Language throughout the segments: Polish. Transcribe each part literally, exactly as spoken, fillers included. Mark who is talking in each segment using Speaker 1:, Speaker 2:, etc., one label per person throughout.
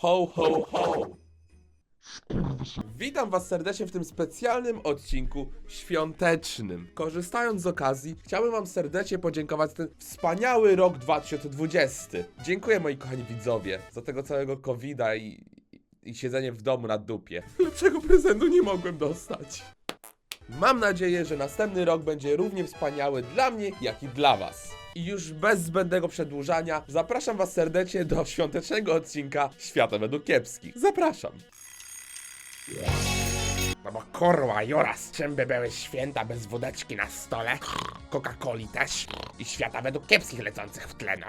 Speaker 1: Ho, ho, ho! Witam was serdecznie w tym specjalnym odcinku świątecznym. Korzystając z okazji, chciałbym wam serdecznie podziękować za ten wspaniały rok dwa tysiące dwudziesty. Dziękuję, moi kochani widzowie, za tego całego kowida i, i siedzenie w domu na dupie. Lepszego prezentu nie mogłem dostać. Mam nadzieję, że następny rok będzie równie wspaniały dla mnie, jak i dla was. I już bez zbędnego przedłużania, zapraszam was serdecznie do świątecznego odcinka Świata według kiepskich. Zapraszam.
Speaker 2: No bo kurwa, Juras, czym by były święta bez wódeczki na stole, Coca-Coli też i świata według kiepskich lecących w tle, no.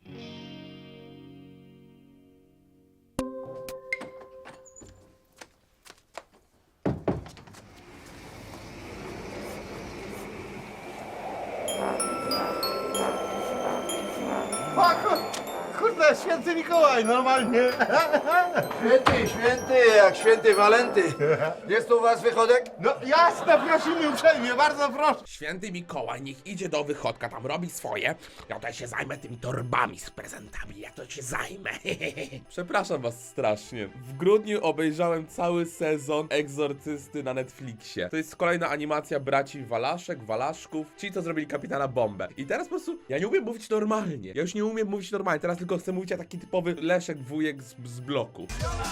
Speaker 3: O, kur, kurde, święty Mikołaj, normalnie.
Speaker 4: Święty, święty, jak święty Walenty. Jest tu u was wychodek?
Speaker 3: No jasne, prosimy uprzejmie, bardzo proszę.
Speaker 2: Święty Mikołaj niech idzie do wychodka, tam robi swoje. Ja to się zajmę tymi torbami z prezentami, ja to się zajmę.
Speaker 1: Przepraszam was strasznie. W grudniu obejrzałem cały sezon Egzorcysty na Netflixie. To jest kolejna animacja braci Walaszek, Walaszków, ci co zrobili Kapitana Bombę. I teraz po prostu ja nie umiem mówić normalnie. Ja już nie umiem mówić normalnie, teraz tylko chcę mówić jak taki typowy Leszek wujek z, z bloku.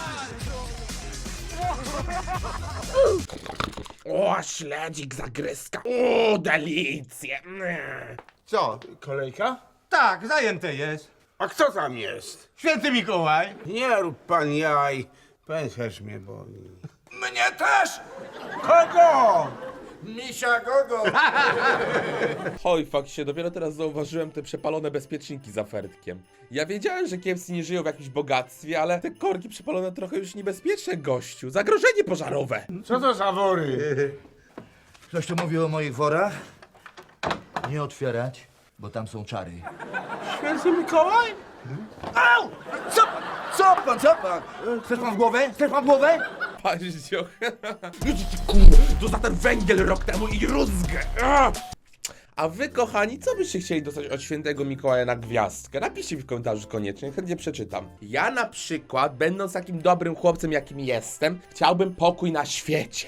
Speaker 2: O, śledzik, zagryzka, o, delicje.
Speaker 3: Co, kolejka? Tak, zajęte jest.
Speaker 5: A kto tam jest?
Speaker 3: Święty Mikołaj.
Speaker 5: Nie rób pan jaj. Pęcherz mnie boli.
Speaker 4: Mnie też!
Speaker 5: Kogo?
Speaker 4: Misia Gogo!
Speaker 1: Oj, fakt się, dopiero teraz zauważyłem te przepalone bezpieczniki za Fertkiem. Ja wiedziałem, że kiepscy nie żyją w jakimś bogactwie, ale te korki przepalone trochę już niebezpieczne, gościu. Zagrożenie pożarowe.
Speaker 5: Co to za wory?
Speaker 4: Ktoś tu mówił o moich worach? Nie otwierać, bo tam są czary.
Speaker 5: Święty Mikołaj?
Speaker 4: Au! Co? Co pan, co pan? Chcesz pan w głowę? Chcesz pan w głowę?
Speaker 1: Paździoch.
Speaker 2: Kurde, to za ten węgiel rok temu i rózgę. A!
Speaker 1: A wy, kochani, co byście chcieli dostać od świętego Mikołaja na gwiazdkę? Napiszcie mi w komentarzu koniecznie, chętnie przeczytam. Ja na przykład, będąc takim dobrym chłopcem, jakim jestem, chciałbym pokój na świecie.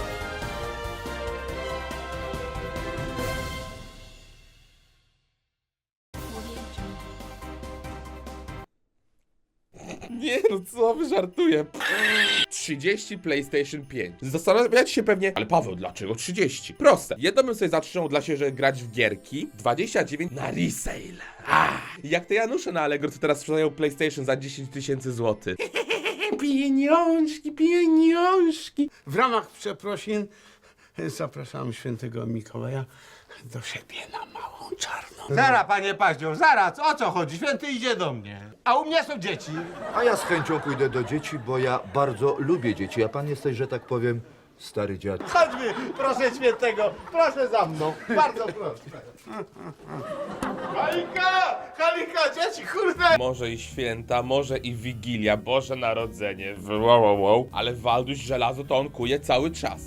Speaker 1: Nie no, co wy żartuję? trzydzieści PlayStation pięć. Zastanawiacie się pewnie, ale Paweł, dlaczego trzydzieści? Proste. Jedno bym sobie zatrzymał dla siebie, że grać w gierki, dwadzieścia dziewięć na resale. Ah, jak te Janusze na Allegro, co teraz sprzedają PlayStation za dziesięć tysięcy złotych.
Speaker 2: Pieniążki, pieniążki.
Speaker 5: W ramach przeprosin zapraszam świętego Mikołaja do siebie na małą czarną.
Speaker 3: Zara, panie Paździoch, zaraz, o co chodzi? Święty idzie do mnie. A u mnie są dzieci.
Speaker 4: A ja z chęcią pójdę do dzieci, bo ja bardzo lubię dzieci, a pan jesteś, że tak powiem, stary dziad.
Speaker 3: Chodźmy, proszę świętego, proszę za mną. Bardzo proszę. Halika! Halika, dzieci, kurde!
Speaker 1: Może i święta, może i Wigilia, Boże Narodzenie, wow, wow, wow. Ale Walduś żelazo to on kuje cały czas.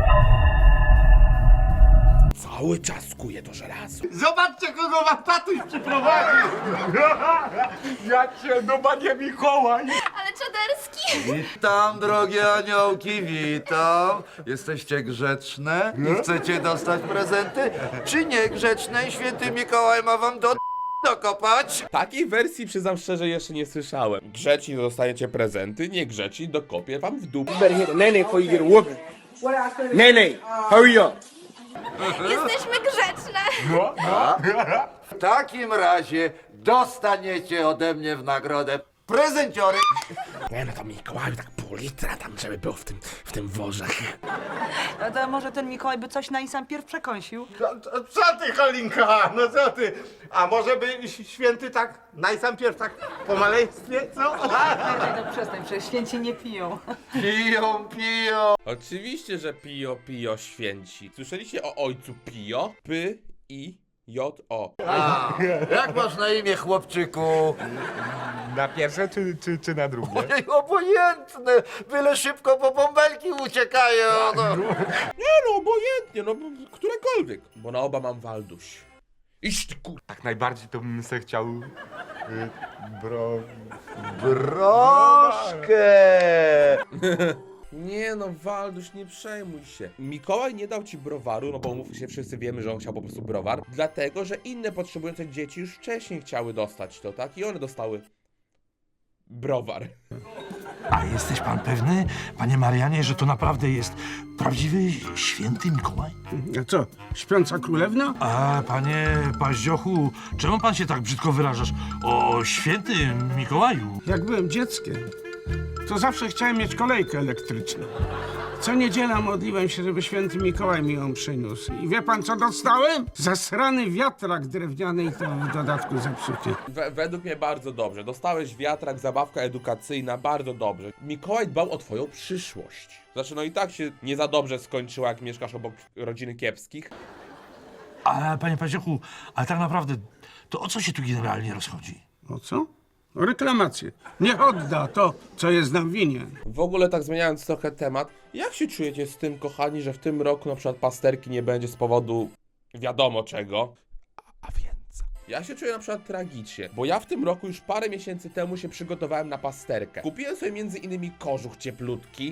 Speaker 2: Cały czas kuje to żelazo.
Speaker 3: Zobaczcie, kogo wam tatuś przyprowadził. Jak się do panie Mikołaj.
Speaker 6: Ale czaderski!
Speaker 4: Witam, drogie aniołki, witam. Jesteście grzeczne i chcecie dostać prezenty? Czy niegrzeczne i święty Mikołaj ma wam do dokopać?
Speaker 1: Takiej wersji, przyznam szczerze, jeszcze nie słyszałem. Grzeczni dostajecie prezenty, niegrzeczni dokopię wam w dupę.
Speaker 7: better hit the nene before you get a whooping. Nene, hurry up.
Speaker 6: Jesteśmy grzeczne!
Speaker 4: W takim razie dostaniecie ode mnie w nagrodę prezenciory.
Speaker 2: Nie no to Mikołaju tak pół litra tam, żeby było w tym, w tym worze.
Speaker 8: No to może ten Mikołaj by coś na sam pierw przekąsił?
Speaker 3: Co, co, co ty, Halinka, no co ty? A może by święty tak, najpierw tak po maleństwie, co?
Speaker 8: No przestań, przecież święci nie piją.
Speaker 4: Piją, piją.
Speaker 1: Oczywiście, że Pio Pio święci. Słyszeliście o ojcu Pio? P I J O.
Speaker 4: A, jak masz na imię, chłopczyku?
Speaker 3: Na pierwsze czy, czy, czy na drugie?
Speaker 4: Ojej, obojętne, byle szybko, bo bąbelki uciekają. No.
Speaker 1: Nie no, obojętnie, no którekolwiek. Bo na oba mam Walduś.
Speaker 2: Iść ty kur...
Speaker 3: Tak najbardziej to bym se chciał Bro...
Speaker 4: Broszkę!
Speaker 1: Nie no, Walduś, nie przejmuj się. Mikołaj nie dał ci browaru, no bo mówmy się, wszyscy wiemy, że on chciał po prostu browar, dlatego, że inne potrzebujące dzieci już wcześniej chciały dostać to, tak? I one dostały browar.
Speaker 9: A jesteś pan pewny, panie Marianie, że to naprawdę jest prawdziwy święty Mikołaj?
Speaker 5: A co, śpiąca królewna?
Speaker 9: A panie Paździochu, czemu pan się tak brzydko wyrażasz o świętym Mikołaju?
Speaker 5: Jak byłem dzieckiem, to zawsze chciałem mieć kolejkę elektryczną. Co niedziela modliłem się, żeby święty Mikołaj mi ją przyniósł. I wie pan, co dostałem? Zasrany wiatrak drewniany i to w dodatku zepsuty.
Speaker 1: We, według mnie bardzo dobrze. Dostałeś wiatrak, zabawka edukacyjna, bardzo dobrze. Mikołaj dbał o twoją przyszłość. Znaczy, no i tak się nie za dobrze skończyło, jak mieszkasz obok rodziny kiepskich.
Speaker 9: Ale panie Paździochu, ale tak naprawdę, to o co się tu generalnie rozchodzi?
Speaker 5: O co? O reklamację. Niech odda to, co jest nam winien.
Speaker 1: W ogóle tak zmieniając trochę temat, jak się czujecie z tym, kochani, że w tym roku na przykład pasterki nie będzie z powodu wiadomo czego, a, a więc... Ja się czuję na przykład tragicznie, bo ja w tym roku już parę miesięcy temu się przygotowałem na pasterkę. Kupiłem sobie między innymi kożuch cieplutki.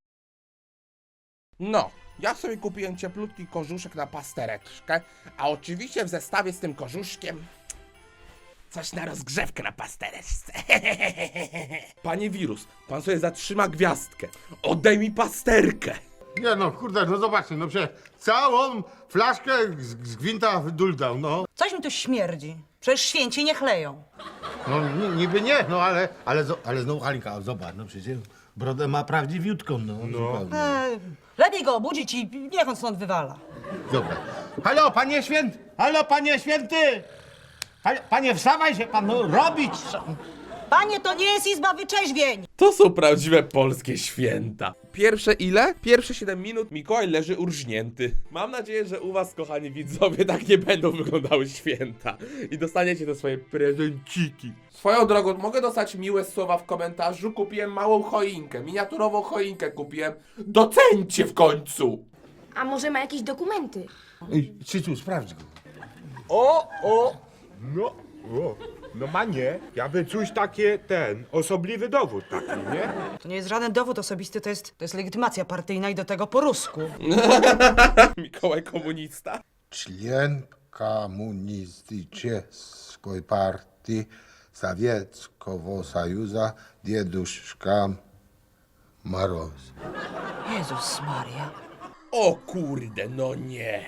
Speaker 1: No, ja sobie kupiłem cieplutki kożuszek na pastereczkę, a oczywiście w zestawie z tym kożuszkiem... coś na rozgrzewkę na pastereczce. Panie wirus, pan sobie zatrzyma gwiazdkę. Oddaj mi pasterkę.
Speaker 3: Nie no, kurde, no zobaczcie, no przecież całą flaszkę z, z gwinta wyduldał, no.
Speaker 8: Coś mi tu śmierdzi. Przecież święci nie chleją.
Speaker 3: No ni, niby nie, no ale, ale, zo- ale znowu Halinka, zobacz, no przecież brodę ma prawdziwiutką, no. no.
Speaker 8: E, lepiej go obudzić i niech on stąd wywala.
Speaker 3: Dobra. Halo, panie święty! Halo, panie święty! Halo, panie, wstawaj się pan, no, robić!
Speaker 8: Panie, to nie jest izba wyczeźwień.
Speaker 1: To są prawdziwe polskie święta. Pierwsze ile? Pierwsze siedem minut Mikołaj leży urżnięty. Mam nadzieję, że u was, kochani widzowie, tak nie będą wyglądały święta. I dostaniecie te swoje prezenciki. Swoją drogą, mogę dostać miłe słowa w komentarzu? Kupiłem małą choinkę, miniaturową choinkę kupiłem. Docencie w końcu!
Speaker 6: A może ma jakieś dokumenty?
Speaker 3: Cycu, sprawdź go.
Speaker 7: O, o, no, o, no ma nie. Ja by coś takie, ten, osobliwy dowód taki, nie?
Speaker 8: To nie jest żaden dowód osobisty, to jest, to jest legitymacja partyjna i do tego po rusku.
Speaker 1: Mikołaj komunista.
Speaker 10: Член Коммунистической партии Советского Союза Дедушка Мороз.
Speaker 8: Jezus Maria.
Speaker 1: O kurde, no nie.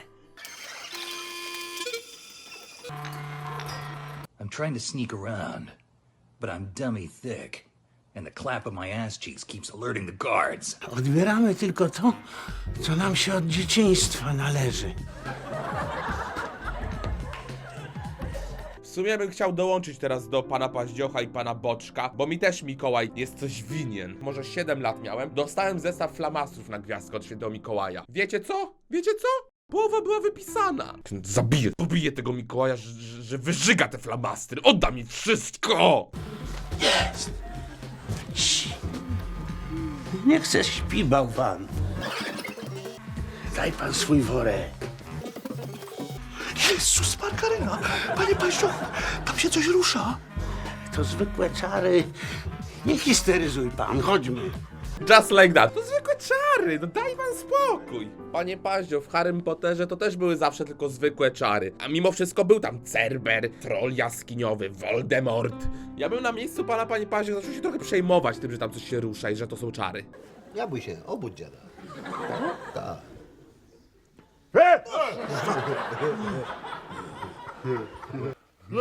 Speaker 11: I'm trying to sneak around, but I'm dummy thick, and the clap of my ass cheeks keeps alerting the guards.
Speaker 5: Odbieramy tylko to, co nam się od dzieciństwa należy.
Speaker 1: W sumie bym chciał dołączyć teraz do pana Paździocha i pana Boczka, bo mi też Mikołaj jest coś winien. Może siedem lat miałem. Dostałem zestaw flamastrów na gwiazdkę od świętego Mikołaja. Wiecie co? Wiecie co? Połowa była wypisana. Zabiję, pobiję tego Mikołaja, że, że, że wyżyga te flamastry. Odda mi wszystko!
Speaker 5: Jest! Cii. Nie chcę śpi, bałwan. Daj pan swój worek.
Speaker 9: Jezus Markaryna! Panie Paździochu, tam się coś rusza.
Speaker 5: To zwykłe czary. Nie histeryzuj pan, chodźmy.
Speaker 1: Just like that. To zwykłe czary, no daj pan spokój. Panie Paździo, w Harrym Potterze to też były zawsze tylko zwykłe czary. A mimo wszystko był tam Cerber, troll jaskiniowy, Voldemort. Ja bym na miejscu pana, panie Paździo, zaczął się trochę przejmować tym, że tam coś się rusza i że to są czary.
Speaker 10: Ja bój się, obudź dziada. Tak.
Speaker 7: E!
Speaker 4: No,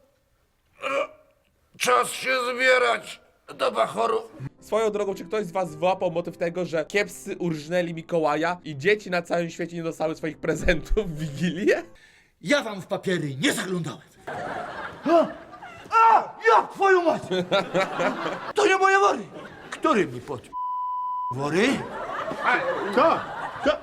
Speaker 4: czas się zbierać do bachoru.
Speaker 1: Swoją drogą, czy ktoś z was wyłapał motyw tego, że kiepscy urżnęli Mikołaja i dzieci na całym świecie nie dostały swoich prezentów w Wigilię?
Speaker 11: Ja wam w papiery nie zaglądałem.
Speaker 4: A, ja twoją mać! To nie moje wory! Który mi pod... wory?
Speaker 3: Co? Co?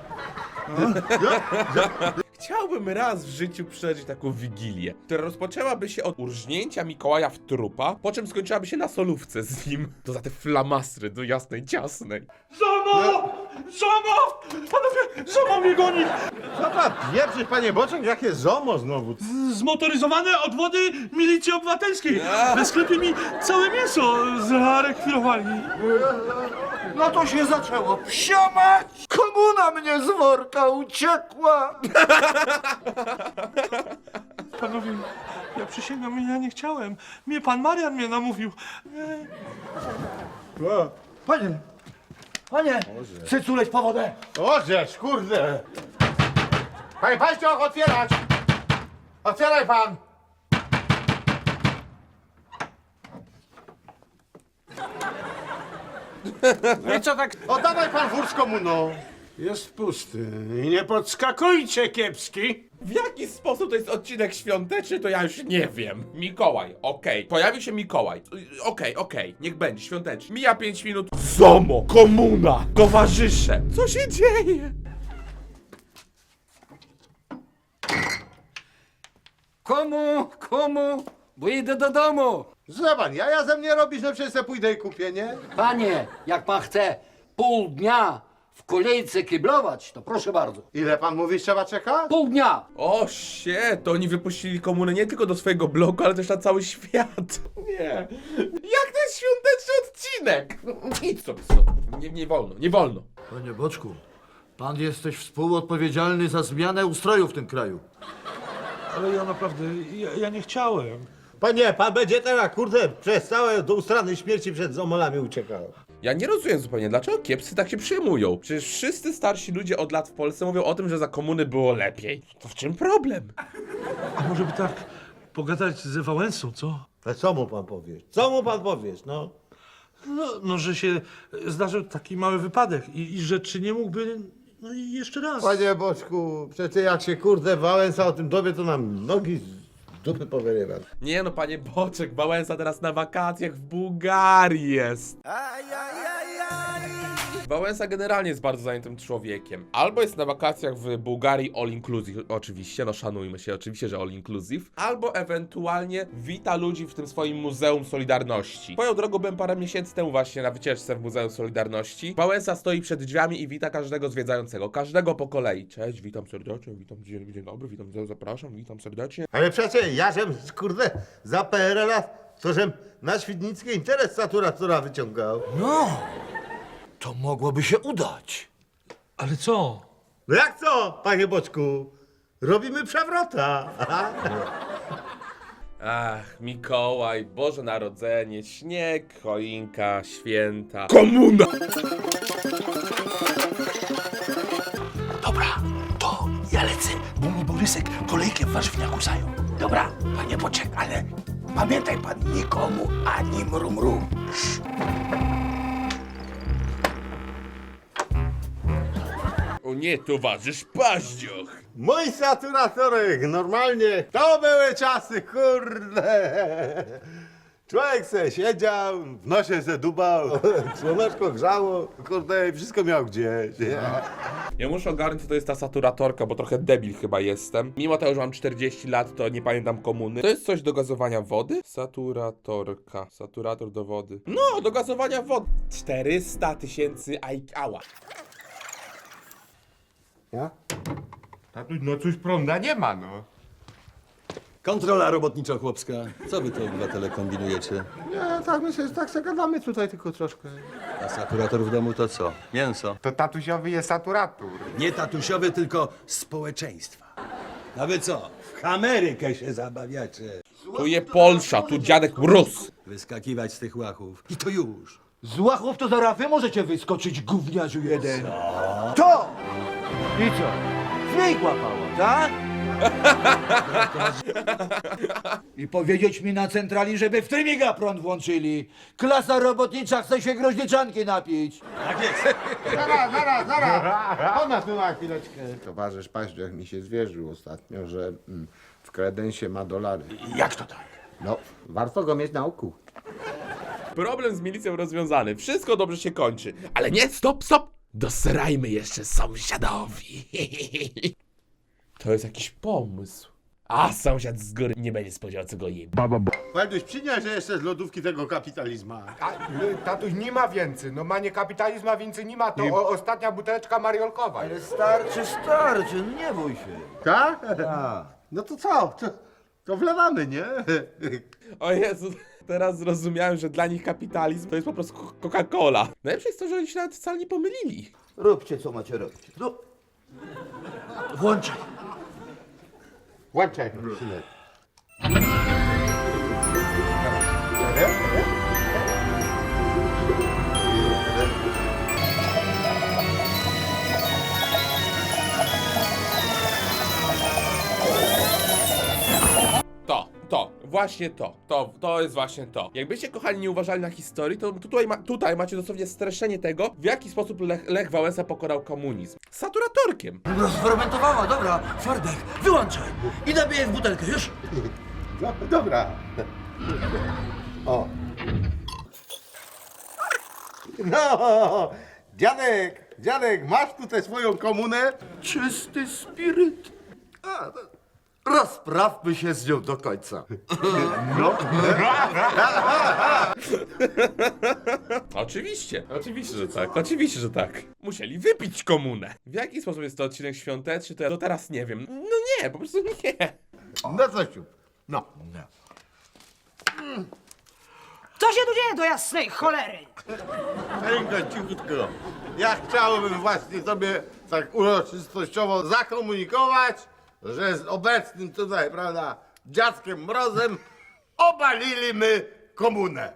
Speaker 1: Chciałbym raz w życiu przeżyć taką Wigilię, która rozpoczęłaby się od urżnięcia Mikołaja w trupa, po czym skończyłaby się na solówce z nim. To za te flamastry do jasnej ciasnej.
Speaker 4: Żono!
Speaker 9: Zomo! Panowie, Zomo mnie goni!
Speaker 3: Co pan pieprzysz, panie Boczek? Jakie zomo znowu?
Speaker 9: Zmotoryzowane odwody milicji obywatelskiej. W sklepie mi całe mięso zarekwirowali.
Speaker 4: No to się zaczęło. Psiomać! Komuna mnie z worka uciekła!
Speaker 9: Panowie, ja przysięgam, ja nie chciałem. Mnie pan Marian mnie namówił.
Speaker 4: Panie, panie, chcę culeć po wodę.
Speaker 3: Ożeż, kurde! Panie Paździoch, otwierać! Otwieraj pan!
Speaker 5: No i co tak
Speaker 3: Oddawaj pan wór z komuną!
Speaker 5: jest pusty? I nie podskakujcie, kiepski.
Speaker 1: W jaki sposób to jest odcinek świąteczny, to ja już nie wiem. Mikołaj, okej. Pojawił się Mikołaj. Y, Okej, okej, niech będzie świąteczny. Mija pięć minut. Zomo, komuna, towarzysze. Co się dzieje?
Speaker 2: Komu, komu? Bo idę do domu.
Speaker 3: Zobacz, ja, ja ze mnie robisz, no przecież se pójdę i kupię, nie?
Speaker 2: Panie, jak pan chce pół dnia w kolejce kiblować, to proszę bardzo.
Speaker 3: Ile pan mówisz, trzeba czekać?
Speaker 2: Pół dnia.
Speaker 1: O, się, to oni wypuścili komunę nie tylko do swojego bloku, ale też na cały świat. Nie. Jak to jest świąteczny odcinek? Idź sobie stąd. Nie, nie wolno, nie wolno.
Speaker 4: Panie Boczku, pan jesteś współodpowiedzialny za zmianę ustroju w tym kraju.
Speaker 9: Ale ja naprawdę, ja, ja nie chciałem.
Speaker 3: Panie, pan będzie teraz, kurde, przez całe do ustrany śmierci przed zomolami uciekał.
Speaker 1: Ja nie rozumiem zupełnie, dlaczego kiepscy tak się przejmują. Przecież wszyscy starsi ludzie od lat w Polsce mówią o tym, że za komuny było lepiej. To w czym problem?
Speaker 9: A może by tak pogadać ze Wałęsą, co?
Speaker 3: Ale co mu pan powiesz? Co mu pan powiesz, no?
Speaker 9: No, no że się zdarzył taki mały wypadek i, i że czy nie mógłby, no i jeszcze raz.
Speaker 3: Panie Boczku, przecież jak się, kurde, Wałęsa o tym dowie, to nam nogi z dupy powyrywa.
Speaker 1: Nie no, panie Boczek, Wałęsa teraz na wakacjach w Bułgarii jest. Wałęsa generalnie jest bardzo zajętym człowiekiem. Albo jest na wakacjach w Bułgarii all inclusive, oczywiście, no szanujmy się, oczywiście, że all inclusive. Albo ewentualnie wita ludzi w tym swoim Muzeum Solidarności. Swoją drogą byłem parę miesięcy temu właśnie na wycieczce w Muzeum Solidarności. Wałęsa stoi przed drzwiami i wita każdego zwiedzającego, każdego po kolei. Cześć, witam serdecznie, witam, dzień, dzień dobry, witam, zapraszam, witam serdecznie.
Speaker 3: Ale przecież ja żem, kurde, za P R L-a, to żem na Świdnickie interes saturatora wyciągał.
Speaker 4: No, to mogłoby się udać.
Speaker 9: Ale co?
Speaker 3: No jak co, panie Boczku? Robimy przewrota.
Speaker 1: Ach, Mikołaj, Boże Narodzenie, śnieg, choinka, święta, komuna!
Speaker 9: Dobra, to ja lecę, bo mi Borysek kolejkę w warzywniaku zajął. Dobra, panie Boczek, ale pamiętaj pan, nikomu ani mru mru.
Speaker 1: O nie, towarzysz Paździoch!
Speaker 3: Mój saturatorek, normalnie, to były czasy, kurde. Człowiek se siedział, w nosie se dubał, słoneczko grzało, kurde, i wszystko miał gdzieś.
Speaker 1: Ja muszę ogarnąć, co to jest ta saturatorka, bo trochę debil chyba jestem. Mimo tego, że mam czterdzieści lat, to nie pamiętam komuny. To jest coś do gazowania wody? Saturatorka. Saturator do wody. No, do gazowania wody. czterysta tysięcy ała.
Speaker 3: Ja? Tatuś, no cóż, prąda nie ma, no.
Speaker 10: Kontrola robotniczo-chłopska. Co wy to, obywatele, kombinujecie?
Speaker 3: Nie, tak myślę, że tak se gadamy tutaj tylko troszkę.
Speaker 10: A saturator w domu to co? Mięso.
Speaker 7: To tatusiowy jest saturator.
Speaker 10: Nie tatusiowy, tylko społeczeństwa. A wy co? W Amerykę się zabawiacie.
Speaker 1: Tu je Polsza, tu dziadek Rus.
Speaker 10: Wyskakiwać z tych łachów. I to już.
Speaker 4: Z łachów to zaraz wy możecie wyskoczyć, gówniarzu jeden. Co? To! I co? Zmyj łapało, tak? I powiedzieć mi na centrali, żeby w trymiga prąd włączyli. Klasa robotnicza chce się groźniczanki napić.
Speaker 3: Zaraz, zaraz, zaraz! Ona tu na chwileczkę. Towarzysz Paździoch mi się zwierzył ostatnio, że mm, w kredensie ma dolary.
Speaker 9: Jak to tak?
Speaker 3: No, warto go mieć na oku.
Speaker 1: Problem z milicją rozwiązany. Wszystko dobrze się kończy. Ale nie, stop, stop! Dosrajmy jeszcze sąsiadowi. To jest jakiś pomysł.
Speaker 2: A sąsiad z góry nie będzie spodziewał, co go je.
Speaker 3: Walduś, przynieś jeszcze z lodówki tego kapitalizmu.
Speaker 7: A, y, tatuś nie ma więcej, no ma nie kapitalizm, a więcej nie ma, to o, ostatnia buteleczka mariolkowa.
Speaker 4: Ale starczy, starczy, no nie bój się.
Speaker 3: Tak? No to co? To, to wlewamy, nie?
Speaker 1: O Jezu, teraz zrozumiałem, że dla nich kapitalizm to jest po prostu Coca-Cola. Najlepsze jest to, że oni się nawet wcale nie pomylili.
Speaker 4: Róbcie, co macie robić. No. Włączaj.
Speaker 3: Włączaj, synek.
Speaker 1: To, to, właśnie to, to, to jest właśnie to. Jakbyście, kochani, nie uważali na historii, to tutaj, ma, tutaj macie dosłownie streszczenie tego, w jaki sposób Lech, Lech Wałęsa pokonał komunizm. Saturatorkiem.
Speaker 4: Rozfermentowała, dobra. Fardek, wyłączaj. I nabiję w butelkę, już.
Speaker 3: No, dobra. O. No, dziadek, dziadek, masz tutaj swoją komunę?
Speaker 4: Czysty spiryt. A, to rozprawmy się z nią do końca.
Speaker 1: Oczywiście, oczywiście, że tak, oczywiście, że tak. Musieli wypić komunę. W jaki sposób jest to odcinek świąteczny, to ja do teraz nie wiem. No nie, po prostu nie.
Speaker 3: No coś tu. No.
Speaker 8: Co się tu dzieje do jasnej cholery?
Speaker 3: Cicho, cichutko. Ja chciałbym właśnie sobie tak uroczystościowo zakomunikować, że z obecnym tutaj, prawda, dziadkiem Mrozem obalili my komunę.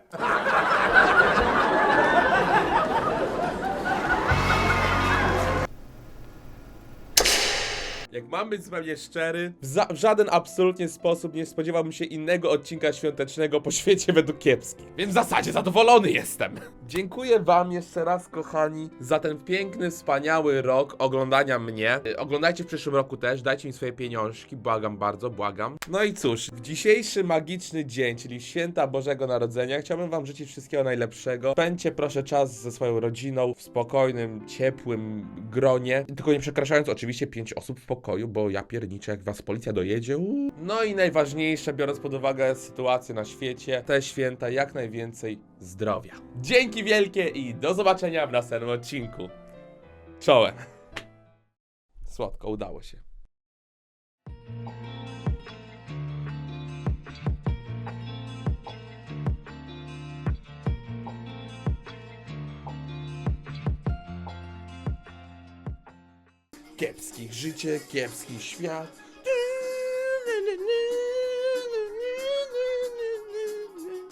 Speaker 1: Jak mam być zupełnie szczery, w, za, w żaden absolutnie sposób nie spodziewałbym się innego odcinka świątecznego po świecie według kiepskich. Więc w zasadzie zadowolony jestem. Dziękuję wam jeszcze raz, kochani, za ten piękny, wspaniały rok oglądania mnie. Y, Oglądajcie w przyszłym roku też, dajcie mi swoje pieniążki, błagam bardzo, błagam. No i cóż, w dzisiejszy magiczny dzień, czyli święta Bożego Narodzenia, chciałbym wam życzyć wszystkiego najlepszego. Spędźcie proszę czas ze swoją rodziną w spokojnym, ciepłym gronie, tylko nie przekraczając oczywiście pięć osób w pokoju, bo ja pierniczę, jak was policja dojedzie. Uuu. No i najważniejsze, biorąc pod uwagę sytuację na świecie, te święta jak najwięcej zdrowia. Dzięki wielkie i do zobaczenia w następnym odcinku. Czołem. Słodko, udało się. Kiepskich życie, kiepski świat.